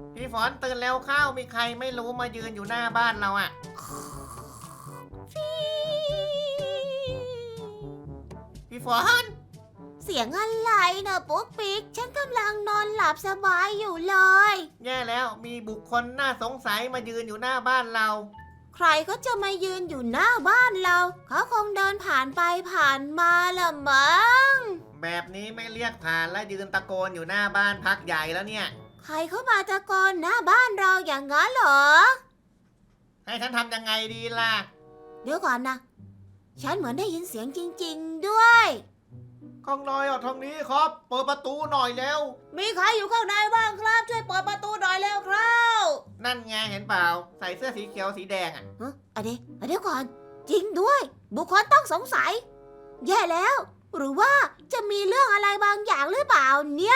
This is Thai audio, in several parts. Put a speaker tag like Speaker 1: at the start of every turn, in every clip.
Speaker 1: พี่ฝนตื่นแล้วเข้ามีใครไม่รู้มายืนอยู่หน้าบ้านเราอะพี่ฝน
Speaker 2: เสียงอะไรนะปุ๊กปิ๊กฉันกำลังนอนหลับสบายอยู่เลย
Speaker 1: แย่แล้วมีบุคคลน่าสงสัยมายืนอยู่หน้าบ้านเรา
Speaker 2: ใครก็จะมายืนอยู่หน้าบ้านเราเขาคงเดินผ่านไปผ่านมาละมั้ง
Speaker 1: แบบนี้ไม่เรียกผ่านและยืนตะโกนอยู่หน้าบ้านพักใหญ่แล้วเนี่ย
Speaker 2: ใครเข้ามาตะโกนหน้าบ้านเราอย่างนั้นเหรอ
Speaker 1: ให้ฉันทำยังไงดีล่ะ
Speaker 2: เดี๋ยวก่อนนะฉันเหมือนได้ยินเสียงจริงๆด้วย
Speaker 1: ข้างในอ่ะทางนี้ครับเปิดประตูหน่อยแล้ว
Speaker 2: มีใครอยู่ข้างในบ้างครับช่วยเปิดประตูหน่อยเร็วครับ
Speaker 1: นั่นไงเห็นเปล่าใส่เสื้อสีเขียวสีแดงอ่ะ
Speaker 2: เดี๋ยวก่อนจริงด้วย บุคคลต้องสงสัย แย่แล้ว หรือว่าจะมีเรื่องอะไรบางอย่างหรือเปล่าเนี่ย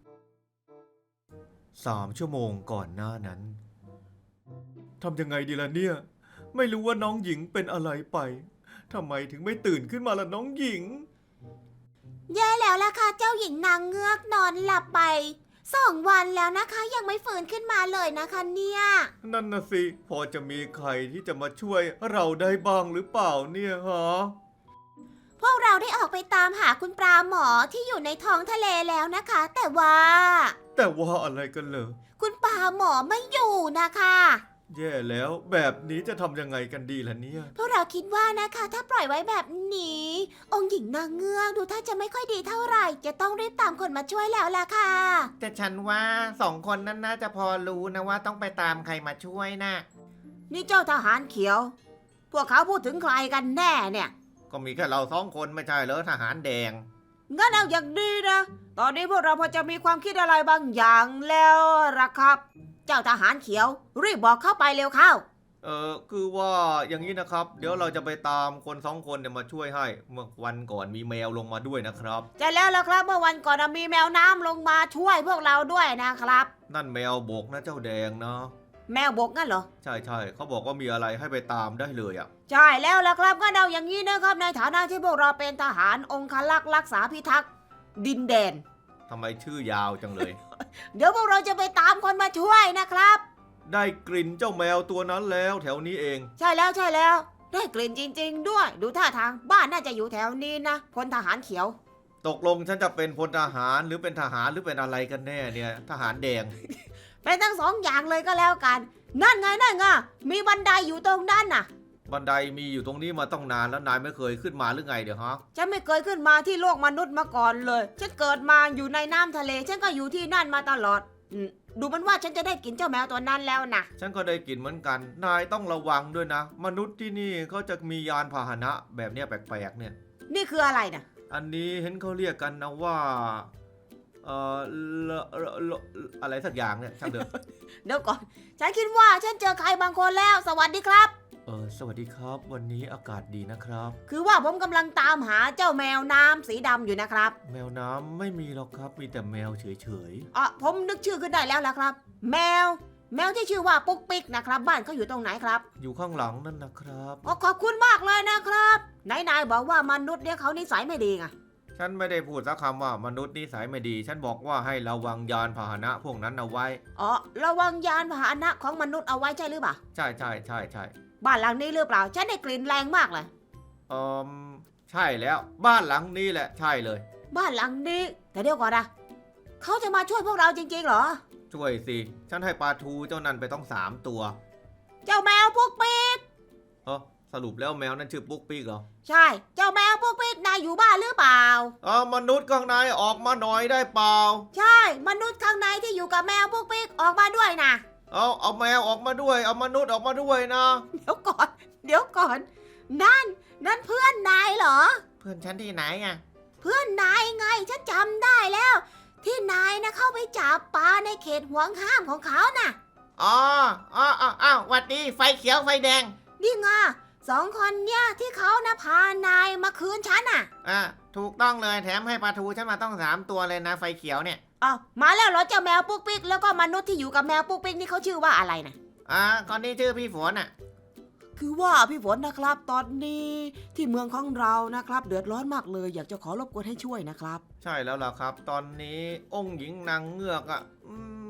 Speaker 3: 3 ชั่วโมงก่อนหน้านั้นทำยังไงดีล่ะเนี่ย ไม่รู้ว่าน้องหญิงเป็นอะไรไปทำไมถึงไม่ตื่นขึ้นมาล่ะน้องหญิง
Speaker 2: แย่แล้วล่ะค่ะเจ้าหญิงนางเงือกนอนหลับไป2 วันแล้วนะคะยังไม่ฟื้นขึ้นมาเลยนะคะเนี่ย
Speaker 3: นั่นน่ะสิพอจะมีใครที่จะมาช่วยเราได้บ้างหรือเปล่าเนี่ยฮะ
Speaker 2: พวกเราได้ออกไปตามหาคุณปลาหมอที่อยู่ในท้องทะเลแล้วนะคะ แต่ว่า
Speaker 3: แต่ว่าอะไรกันเหรอ
Speaker 2: คุณปลาหมอไม่อยู่นะคะ
Speaker 3: แย่แล้วแบบนี้จะทำยังไงกันดีล่ะเนี่ย
Speaker 2: พวกเราคิดว่านะคะถ้าปล่อยไว้แบบนี้ องค์หญิงนางเงือกดูถ้าจะไม่ค่อยดีเท่าไหร่ จะต้องรีบตามคนมาช่วยแล้วล่ะค่ะ
Speaker 1: แต่ฉันว่า2 คนนั้นน่าจะพอรู้นะว่าต้องไปตามใครมาช่วยนะ
Speaker 2: นี่เจ้าทหารเขียว พวกเขาพูดถึงใครกันแน่เนี่ย
Speaker 1: ก็มีแค่เรา2 คนไม่ใช่เหรอทหารแดง
Speaker 2: งั้นเอาอย่างดีนะ ตอนนี้พวกเราพอจะมีความคิดอะไรบางอย่างแล้วล่ะครับ เจ้าทหารเขียว รีบบอกเข้าไปเร็วเข้า
Speaker 3: คือว่าอย่างนี้นะครับ เดี๋ยวเราจะไปตามคน2 คนเนี่ยมาช่วยให้ เมื่อวันก่อนมีแมวลงมาด้วยนะครับ
Speaker 2: จะแล้วล่ะครับเมื่อวันก่อนมีแมวน้ำลงมาช่วยพวกเราด้วยนะครับ
Speaker 3: นั่นแมวบกนะเจ้าแดงนะ
Speaker 2: แมวบกงั้นเหรอ
Speaker 3: ใช่ใช่เขาบอกว่ามีอะไรให้ไปตามได้เลยอ่ะ
Speaker 2: ใช่แล้วล่ะครับงั้นเอาอย่างนี้นะครับในฐานะที่พวกเราเป็นทหารองครักษ์รักษาพิทักษ์ดินแดน
Speaker 3: ทำไมชื่อยาวจังเลย
Speaker 2: เดี๋ยวพวกเราจะไปตามคนมาช่วยนะครับ
Speaker 3: ได้กลิ่นเจ้าแมวตัวนั้นแล้วแถวนี้เอง
Speaker 2: ใช่แล้วใช่แล้ว ได้กลิ่นจริง ๆ ด้วย ดูท่าทางบ้านน่าจะอยู่แถวนี้นะพลทหารเขียว
Speaker 3: ตกลงฉันจะเป็นพลทหารหรือเป็นทหารหรือเป็นอะไรกันแน่เนี่ย ทหารแดง
Speaker 2: เป็นทั้ง2 อย่างเลยก็แล้วกัน นั่นไงนั่นไงมีบันไดอยู่ตรงนั้นน่ะ
Speaker 3: บันไดมีอยู่ตรงนี้มาต้องนานแล้วนายไม่เคยขึ้นมาหรือไงเดี๋ยวฮะ
Speaker 2: ฉันไม่เคยขึ้นมาที่โลกมนุษย์มาก่อนเลย ฉันเกิดมาอยู่ในน้ำทะเล ฉันก็อยู่ที่นั่นมาตลอดดูมันว่าฉันจะได้กินเจ้าแมวตัวนั้นแล้วนะ
Speaker 3: ฉันก็ได้กลิ่นเหมือนกัน นายต้องระวังด้วยนะ มนุษย์ที่นี่เขาจะมียานพาหนะแบบเนี้ยแปลกๆเนี่ย
Speaker 2: นี่คืออะไรนะ
Speaker 3: อันนี้เห็นเขาเรียกกันนะว่า เอ่ออะไรสักอย่างเนี่ยช่างเถอะ
Speaker 2: เดี๋ยวก่อน ฉันคิดว่าฉันเจอใครบางคนแล้ว สวัสดีครับ
Speaker 3: สวัสดีครับ วันนี้อากาศดีนะครับ
Speaker 2: คือว่าผมกำลังตามหาเจ้าแมวน้ำสีดำอยู่นะครับ
Speaker 3: แมวน้ำไม่มีหรอกครับ มีแต่แมวเฉย
Speaker 2: ผมนึกชื่อขึ้นได้แล้วล่ะครับ แมวที่ชื่อว่าปุ๊กปิ๊กนะครับ บ้านเขาอยู่ตรงไหนครับ
Speaker 3: ๆ อยู่ข้างหลังนั่นนะครับ
Speaker 2: ขอบคุณมากเลยนะครับนายบอกว่ามนุษย์เนี่ยเขานิสัยไม่ดีไง
Speaker 3: ฉันไม่ได้พูดสักคำว่ามนุษย์นิสัยไม่ดี ฉันบอกว่าให้ระวังยานพาหนะพวกนั้นเอาไว้
Speaker 2: ระวังยานพาหนะของมนุษย์เอาไว้ใช่หรือเปล่า
Speaker 3: ใช่ใช่ใช่ใช่
Speaker 2: บ้านหลังนี้หรือเปล่า ฉันได้กลิ่นแรงมากเลย
Speaker 3: ใช่แล้ว บ้านหลังนี้แหละใช่เลย
Speaker 2: บ้านหลังนี้ แต่เดี๋ยวก่อนนะเขาจะมาช่วยพวกเราจริงๆเหรอ
Speaker 3: ช่วยสิ ฉันให้ปลาทูเจ้านั่นไปต้อง3 ตัว
Speaker 2: เจ้าแมวปุ๊กปิ๊ก
Speaker 3: สรุปแล้วแมวนั่นชื่อปุ๊กปิ๊กเหรอ
Speaker 2: ใช่ เจ้าแมวปุ๊กปิ๊กนายอยู่บ้านหรือเปล่า
Speaker 3: มนุษย์ข้างในออกมาหน่อยได้เปล่า
Speaker 2: ใช่ มนุษย์ข้างในที่อยู่กับแมวปุ๊กปิ๊กออกมาด้วยนะ
Speaker 3: เอาแมวออกมาด้วย เอามนุษย์ออกมาด้วยนะ
Speaker 2: เดี๋ยวก่อน นั่นเพื่อนนายเหรอ
Speaker 1: เพื่อนฉันที่ไหนอ่ะ
Speaker 2: เพื่อนนายไงฉันจำได้แล้ว ที่นายนะเข้าไปจับปลาในเขตห่วงห้ามของเขาน่ะ
Speaker 1: อ้าวหวัดดีไฟเขียวไฟแดง
Speaker 2: นี่ไง2 คนเนี่ยที่เขานะพานายมาคืนฉันน่ะ
Speaker 1: ถูกต้องเลยแถมให้ปลาทูฉันมาต้อง3 ตัวเลยนะไฟเขียวเนี่ย
Speaker 2: มาแล้วเหรอเจ้าแมวปุ๊กปิ๊กแล้วก็มนุษย์ที่อยู่กับแมวปุ๊กปิ๊กนี่เขาชื่อว่าอะไรนะ
Speaker 1: คนนี้ชื่อพี่ฝนอ่ะ
Speaker 2: คือว่าพี่ฝนนะครับตอนนี้ที่เมืองของเรานะครับเดือดร้อนมากเลยอยากจะขอรบกวนให้ช่วยนะครับ
Speaker 3: ใช่แล้วล่ะครับ ตอนนี้องค์หญิงนางเงือก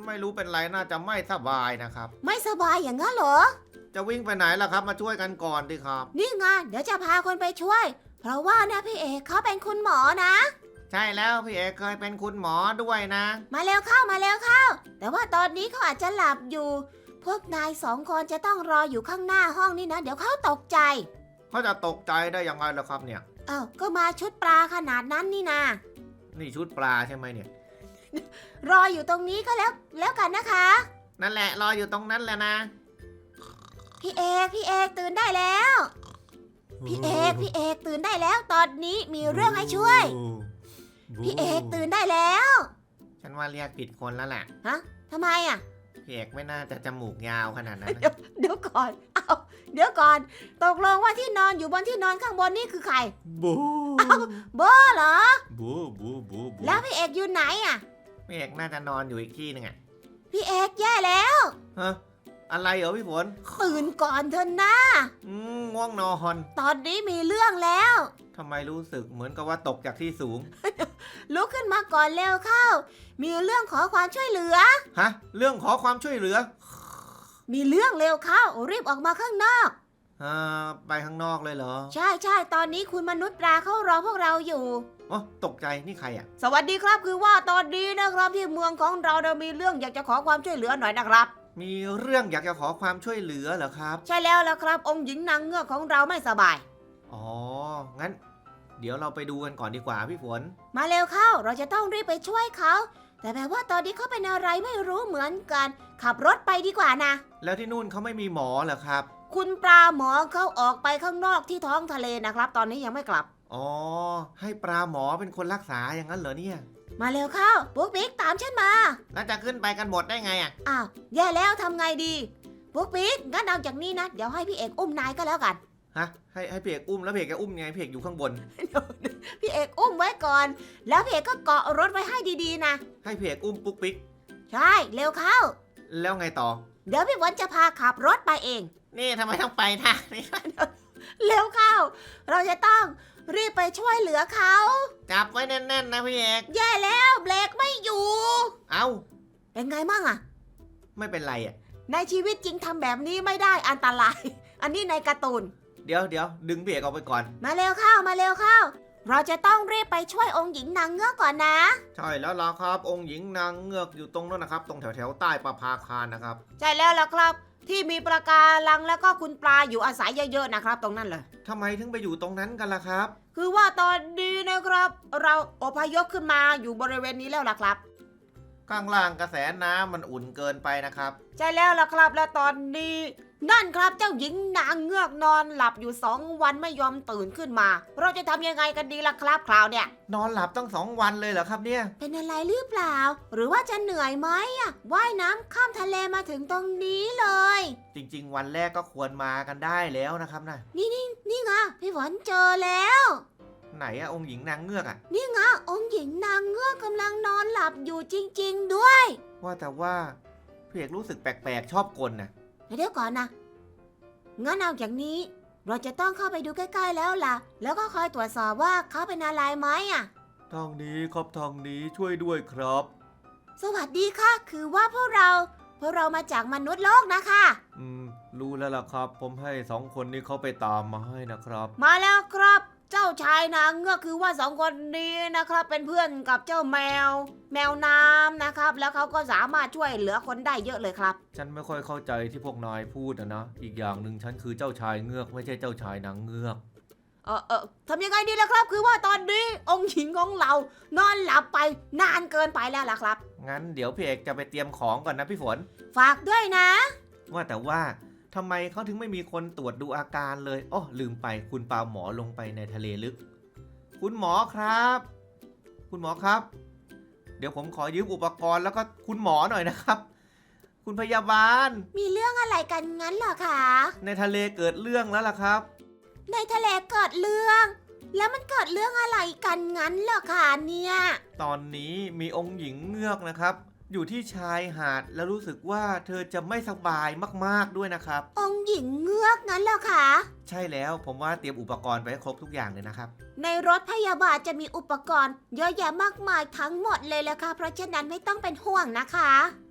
Speaker 1: ไม่รู้เป็นไรน่าจะไม่สบายนะครับ
Speaker 2: ไม่สบายอย่างนั้นเหรอ
Speaker 1: จะวิ่งไปไหนล่ะครับ มาช่วยกันก่อนดิครับ
Speaker 2: นี่ไงเดี๋ยวจะพาคนไปช่วย เพราะว่านะพี่เอกเขาเป็นคุณหมอนะ
Speaker 1: ใช่แล้วพี่เอกเคยเป็นคุณหมอด้วยนะ
Speaker 2: มาเร็วเข้ามาเร็วเข้า แต่ว่าตอนนี้เขาอาจจะหลับอยู่ พวกนาย2 คนจะต้องรออยู่ข้างหน้าห้องนี่นะ เดี๋ยวเขาตกใจ
Speaker 1: เขาจะตกใจได้ยังไงล่ะครับเนี่ย
Speaker 2: อ้าวก็มาชุดปลาขนาดนั้นนี่นะ
Speaker 1: นี่ชุดปลาใช่ไหมเนี่ย
Speaker 2: รออยู่ตรงนี้ก็แล้วกันนะคะ
Speaker 1: นั่นแหละรออยู่ตรงนั้นแหละนะ
Speaker 2: พี่เอกตื่นได้แล้ว พี่เอกตื่นได้แล้ว ตอนนี้มีเรื่องให้ช่วย พี่เอกตื่นได้แล้ว
Speaker 1: ฉันว่าเรียกผิดคนแล้วแหละ
Speaker 2: ฮะทำไมอ่ะ
Speaker 1: พี่เอกไม่น่าจะจมูกยาวขนาดนั้นนะ
Speaker 2: เดี๋ยวก่อน เดี๋ยวก่อน ตกลงว่าที่นอนอยู่บนที่นอนข้างบนนี่คือใคร
Speaker 3: บู
Speaker 2: โบเหรอ
Speaker 3: บูบูบู
Speaker 2: แล้วพี่เอกอยู่ไหนอ่ะ
Speaker 1: พี่เอกน่าจะนอนอยู่อีกที่หนึงอะ
Speaker 2: พี่เอกแย่แล้ว
Speaker 1: ฮะอะไรเหรอพี่ฝน
Speaker 2: ตื่นก่อนเถอะนะ
Speaker 1: ง่วงนอน
Speaker 2: ตอนนี้มีเรื่องแล้ว
Speaker 1: ทำไมรู้สึกเหมือนกับว่าตกจากที่สูง
Speaker 2: ลุกขึ้นมาก่อนเร็วเข้า มีเรื่องขอความช่วยเหลือ
Speaker 1: ฮะ เรื่องขอความช่วยเหลือ
Speaker 2: มีเรื่องเร็วเข้า รีบออกมาข้างนอก
Speaker 1: ไปข้างนอกเลยเหรอ
Speaker 2: ใช่ตอนนี้คุณมนุษย์ปลาเขารอพวกเราอยู่
Speaker 1: อ๋อตกใจนี่ใครอะ
Speaker 2: สวัสดีครับคือว่าตอนนี้นะครับที่เมืองของเรามีเรื่องอยากจะขอความช่วยเหลือหน่อยนะครับ
Speaker 1: มีเรื่องอยากจะขอความช่วยเหลือเหรอครับ
Speaker 2: ใช่แล้วล่ะครับ องค์หญิงนางเงือกของเราไม่สบาย
Speaker 1: อ๋อ งั้น เดี๋ยวเราไปดูกันก่อนดีกว่าพี่ฝน
Speaker 2: มาเร็วเข้า เราจะต้องรีบไปช่วยเขา แต่แบบว่าตอนนี้เขาเป็นอะไรไม่รู้เหมือนกัน ขับรถไปดีกว่านะ
Speaker 1: แล้วที่นู่นเขาไม่มีหมอเหรอครับ
Speaker 2: คุณปลาหมอเขาออกไปข้างนอกที่ท้องทะเลนะครับ ตอนนี้ยังไม่กลับ
Speaker 1: อ๋อ ให้ปลาหมอเป็นคนรักษาอย่างนั้นเหรอเนี่ย
Speaker 2: มาเร็วเข้าปุ๊กปิ๊กตามฉันมา
Speaker 1: แล้วจะขึ้นไปกันหมดได้ไงอะ
Speaker 2: อ้าวแย่แล้วทำไงดีปุ๊กปิ๊กงั้นเอาจากนี้นะเดี๋ยวให้พี่เอกอุ้มนายก็แล้วกัน
Speaker 1: ฮะ ให้พี่เอกอุ้มแล้วพี่เอกจะอุ้มไงพี่เอกอยู่ข้างบน
Speaker 2: พี่เอกอุ้มไว้ก่อน แล้วพี่เอกก็เกาะรถไว้ให้ดีๆนะ
Speaker 1: ให้พี่เอกอุ้มปุ๊กปิ๊ก
Speaker 2: ใช่เร็วเข้า
Speaker 1: แล้วไงต่อ
Speaker 2: เดี๋ยวพี่ฝนจะพาขับรถไปเอง
Speaker 1: นี่ทำไมต้องไปทางนี้
Speaker 2: เร็วเข้า เราจะต้องรีบไปช่วยเหลือเขา
Speaker 1: จับไว้แน่นๆนะพี่เอก
Speaker 2: แย่แล้วเบรกไม่อยู่
Speaker 1: เอ้า
Speaker 2: เป็นไงมั่งอะ
Speaker 1: ไม่เป็นไรอะ
Speaker 2: ในชีวิตจริงทำแบบนี้ไม่ได้อันตราย อันนี้ในการ์ตูน
Speaker 1: เดี๋ยวดึงพี่เอกออกไปก่อน
Speaker 2: มาเร็วเข้ามาเร็วเข้า เราจะต้องรีบไปช่วยองค์หญิงนางเงือกก่อนนะ
Speaker 1: ใช่แล้วล่ะครับ องค์หญิงนางเงือกอยู่ตรงนั้นนะครับ ตรงแถวใต้ประภาคารนะครับ
Speaker 2: ใช่แล้วล่ะครับ ที่มีปลาการังแล้วก็คุณปลาอยู่อาศัยเยอะๆนะครับ ตรงนั้นเลย
Speaker 1: ทำไมถึงไปอยู่ตรงนั้นกันล่ะครับ
Speaker 2: คือว่าตอนนี้นะครับ เราอพยพขึ้นมาอยู่บริเวณนี้แล้วล่ะครับ
Speaker 1: ข้างล่างกระแสน้ำมันอุ่นเกินไปนะครับ
Speaker 2: ใช่แล้วล่ะครับ และตอนนี้นั่นครับเจ้าหญิงนางเงือกนอนหลับอยู่2 วันไม่ยอมตื่นขึ้นมา เราจะทำยังไงกันดีล่ะครับคราวเนี่ย
Speaker 1: นอนหลับตั้ง2 วันเลยเหรอครับเนี่ย
Speaker 2: เป็นอะไรหรือเปล่า หรือว่าจะเหนื่อยไหมอะว่ายน้ำข้ามทะเลมาถึงตรงนี้เลย
Speaker 1: จริงๆ วันแรกก็ควรมากันได้แล้วนะครับนะ
Speaker 2: นี่ไงพี่ฝนเจอแล้ว
Speaker 1: ไหนอะองค์หญิงนางเงือกอะ
Speaker 2: นี่ไงองค์หญิงนางเงือกกำลังนอนหลับอยู่จริงๆด้วย
Speaker 1: ว่าแต่ว่าพี่เอกรู้สึกแปลกๆชอบกลนะ
Speaker 2: เดี๋ยวก่อนนะงั้นเอาอย่างนี้ เราจะต้องเข้าไปดูใกล้ๆแล้วล่ะ แล้วก็คอยตรวจสอบว่าเขาเป็นอะไรไหมอะ
Speaker 3: ทางนี้ครับทางนี้ช่วยด้วยครับ
Speaker 2: สวัสดีค่ะ คือว่าพวกเรามาจากมนุษย์โลกนะคะ
Speaker 3: รู้แล้วล่ะครับ ผมให้2 คนนี้เขาไปตามมาให้นะครับ
Speaker 2: มาแล้วครับ เจ้าชายนางเงือกคือว่า2 คนนี้นะครับ เป็นเพื่อนกับเจ้าแมวน้ำนะครับ แล้วเขาก็สามารถช่วยเหลือคนได้เยอะเลยครับ
Speaker 3: ฉันไม่ค่อยเข้าใจที่พวกนายพูดนะ อีกอย่างหนึ่งฉันคือเจ้าชายเงือกไม่ใช่เจ้าชายนางเงือก
Speaker 2: ทำยังไงดีล่ะครับ คือว่าตอนนี้องค์หญิงของเรานอนหลับไปนานเกินไปแล้วล่ะครับ
Speaker 1: งั้นเดี๋ยวพี่เอกจะไปเตรียมของก่อนนะพี่ฝน
Speaker 2: ฝากด้วยนะ
Speaker 1: ว่าแต่ว่าทำไมเขาถึงไม่มีคนตรวจดูอาการเลยอ้อลืมไปคุณปาหมอลงไปในทะเลลึก คุณหมอครับ คุณหมอครับ เดี๋ยวผมขอยืมอุปกรณ์แล้วก็คุณหมอหน่อยนะครับ คุณพยาบาล
Speaker 2: มีเรื่องอะไรกันงั้นเหรอคะ
Speaker 1: ในทะเลเกิดเรื่องแล้วล่ะครับ
Speaker 2: ในทะเลเกิดเรื่อง แล้วมันเกิดเรื่องอะไรกันงั้นเหรอคะเนี่ย
Speaker 1: ตอนนี้มีองค์หญิงเงือกนะครับ อยู่ที่ชายหาดแล้วรู้สึกว่าเธอจะไม่สบายมากๆด้วยนะครับ
Speaker 2: องค์หญิงเงือกงั้นเหรอคะ
Speaker 1: ใช่แล้วผมว่าเตรียมอุปกรณ์ไปให้ครบทุกอย่างเลยนะครับ
Speaker 2: ในรถพยาบาลจะมีอุปกรณ์เยอะแยะมากมายทั้งหมดเลยละค่ะ เพราะฉะนั้นไม่ต้องเป็นห่วงนะคะ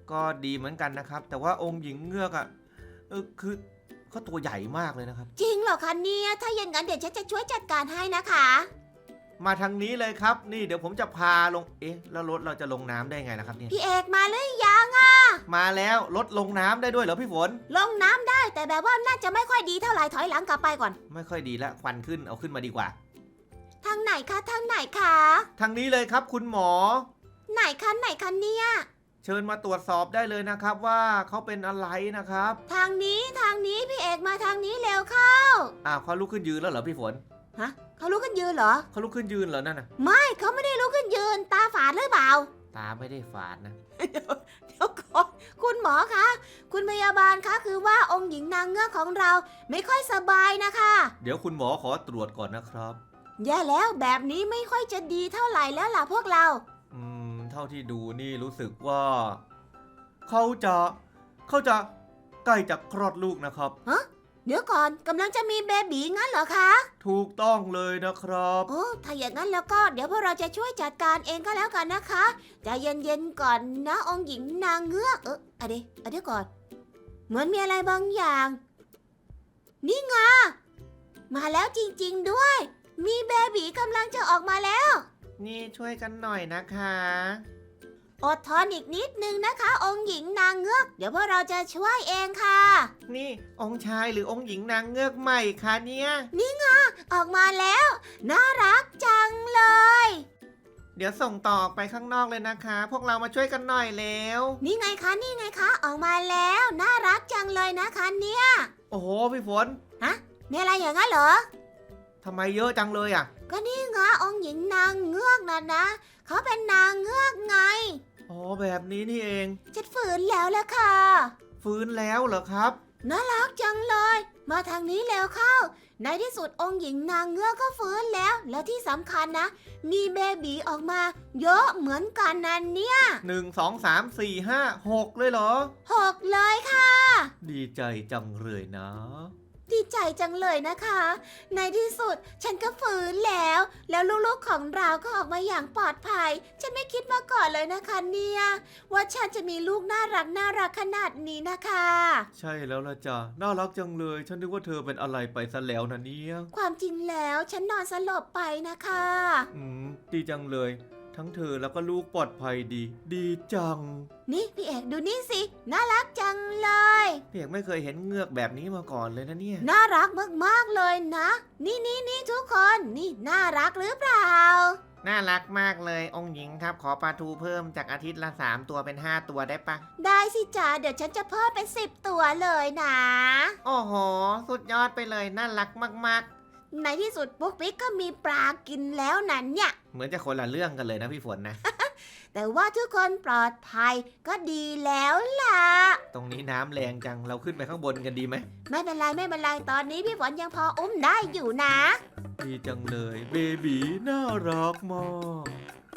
Speaker 1: ก็ดีเหมือนกันนะครับ แต่ว่าองค์หญิงเงือกอ่ะคือเขาตัวใหญ่มากเลยนะครับ
Speaker 2: จริงเหรอคะเนี่ยถ้าอย่างนั้นเดี๋ยวฉันจะช่วยจัดการให้นะคะ
Speaker 1: มาทางนี้เลยครับ นี่เดี๋ยวผมจะพาลงแล้วรถเราจะลงน้ำได้ไงล่ะครับเนี่ย
Speaker 2: พี่เอกมาหรือยัง
Speaker 1: มาแล้วรถลงน้ำได้ด้วยเหรอพี่ฝน
Speaker 2: ลงน้ำได้แต่แบบว่าน่าจะไม่ค่อยดีเท่าไหร่ถอยหลังกลับไปก่อน
Speaker 1: ไม่ค่อยดีละควันขึ้นเอาขึ้นมาดีกว่า
Speaker 2: ทางไหนคะทางไหนคะ
Speaker 1: ทางนี้เลยครับคุณหมอ
Speaker 2: ไหนคะไหนคะเนี่ย
Speaker 1: เชิญมาตรวจสอบได้เลยนะครับว่าเขาเป็นอะไรนะครับ
Speaker 2: ทางนี้พี่เอกมาทางนี้เร็วเข้า
Speaker 1: เขาลุกขึ้นยืนแล้วเหรอพี่ฝน
Speaker 2: ฮะเขาลุกขึ้นยืนเหรอ
Speaker 1: เขาลุกขึ้นยืนเหรอนั่นน่ะ
Speaker 2: ไม่เขาไม่ได้ลุกขึ้นยืนตาฝาดหรือเปล่า
Speaker 1: ตาไม่ได้ฝาดนะ
Speaker 2: เดี๋ยวก่อนคุณหมอคะคุณพยาบาลคะคือว่าองค์หญิงนางเงือกของเราไม่ค่อยสบายนะคะ
Speaker 1: เดี๋ยวคุณหมอขอตรวจก่อนนะครับ
Speaker 2: แย่แล้วแบบนี้ไม่ค่อยจะดีเท่าไหร่แล้วล่ะพวกเรา
Speaker 1: เท่าที่ดูนี่รู้สึกว่าเขาจะใกล้จะคลอดลูกนะครับ
Speaker 2: เดี๋ยวก่อนกำลังจะมีเบบีงั้นเหรอคะ
Speaker 1: ถูกต้องเลยนะครับ
Speaker 2: โอ้ถ้าอย่างนั้นแล้วก็เดี๋ยวพวกเราจะช่วยจัดการเองก็แล้วกันนะคะใจเย็นๆก่อนนะองค์หญิงนางเงือกเดี๋ยวก่อนเหมือนมีอะไรบางอย่าง นี่ไงมาแล้วจริงๆด้วย มีเบบีกำลังจะออกมาแล้ว
Speaker 1: นี่ช่วยกันหน่อยนะคะ
Speaker 2: อดทนอีกนิดนึงนะคะ องค์หญิงนางเงือกเดี๋ยวพวกเราจะช่วยเองค่ะ
Speaker 1: นี่องค์ชายหรือองค์หญิงนางเงือกใหม่คะเนี่ย
Speaker 2: ออกมาแล้วน่ารักจังเลย
Speaker 1: เดี๋ยวส่งต่อออกไปข้างนอกเลยนะคะ พวกเรามาช่วยกันหน่อยเร็ว
Speaker 2: นี่ไงคะออกมาแล้วน่ารักจังเลยนะคะเนี่ย
Speaker 1: โอ้โหพี่ฝน
Speaker 2: มีอะไรอย่างนั้นเหรอ
Speaker 1: ทำไมเยอะจังเลยอ่ะ
Speaker 2: ก็นี่ไงองค์หญิงนางเงือกนะเขาเป็นนางเงือกไง
Speaker 1: อ๋อแบบนี้นี่เอง
Speaker 2: ฉันฝืนแล้วละค่ะ
Speaker 1: ฟื้นแล้วเหรอครับ
Speaker 2: น่ารักจังเลย มาทางนี้เร็วเข้า ในที่สุดองค์หญิงนางเงือกก็ฟื้นแล้ว และที่สำคัญนะ มีเบบีออกมาเยอะเหมือนกันนั่นเนี่ย
Speaker 1: 1 2 3 4 5 6เลยเหรอ
Speaker 2: 6เลยค่ะ
Speaker 1: ดีใจจังเลยนะ
Speaker 2: ดีใจจังเลยนะคะ ในที่สุดฉันก็ฟื้นแล้ว แล้วลูกๆของเราก็ออกมาอย่างปลอดภัย ฉันไม่คิดมาก่อนเลยนะคะเนี่ยว่าฉันจะมีลูกน่ารักขนาดนี้นะคะ
Speaker 1: ใช่แล้วล่ะจ้ะน่ารักจังเลย ฉันนึกว่าเธอเป็นอะไรไปซะแล้วนะเนี่ย
Speaker 2: ความจริงแล้วฉันนอนสลบไปนะคะ
Speaker 1: ดีจังเลย ทั้งเธอแล้วก็ลูกปลอดภัยดี ดีจัง
Speaker 2: นี่พี่เอกดูนี่สิ น่ารักจังเลย
Speaker 1: พี่เอกไม่เคยเห็นเงือกแบบนี้มาก่อนเลยนะเนี่ย
Speaker 2: น่ารักมากๆเลยนะ นี่ทุกคนนี่น่ารักหรือเปล่า
Speaker 1: น่ารักมากเลยองค์หญิงครับ ขอปลาทูเพิ่มจากอาทิตย์ละ3 ตัวเป็น5 ตัวได้ปะ
Speaker 2: ได้สิจ๋าเดี๋ยวฉันจะเพิ่มเป็น10 ตัวเลยนะ
Speaker 1: โอ้โห สุดยอดไปเลยน่ารักมาก
Speaker 2: ในที่สุดปุ๊กปิ๊กก็มีปลากินแล้วนั่นเนี่ย
Speaker 1: ๆ เหมือนจะคนละเรื่องกันเลยนะพี่ฝนนะ
Speaker 2: แต่ว่าทุกคนปลอดภัยก็ดีแล้วล่ะ
Speaker 1: ตรงนี้น้ำแรงจังเราขึ้นไปข้างบนกันดีไหม
Speaker 2: ไม่เป็นไรตอนนี้พี่ฝนยังพออุ้มได้อยู่นะ
Speaker 1: ดีจังเลยเบบีน่ารักมาก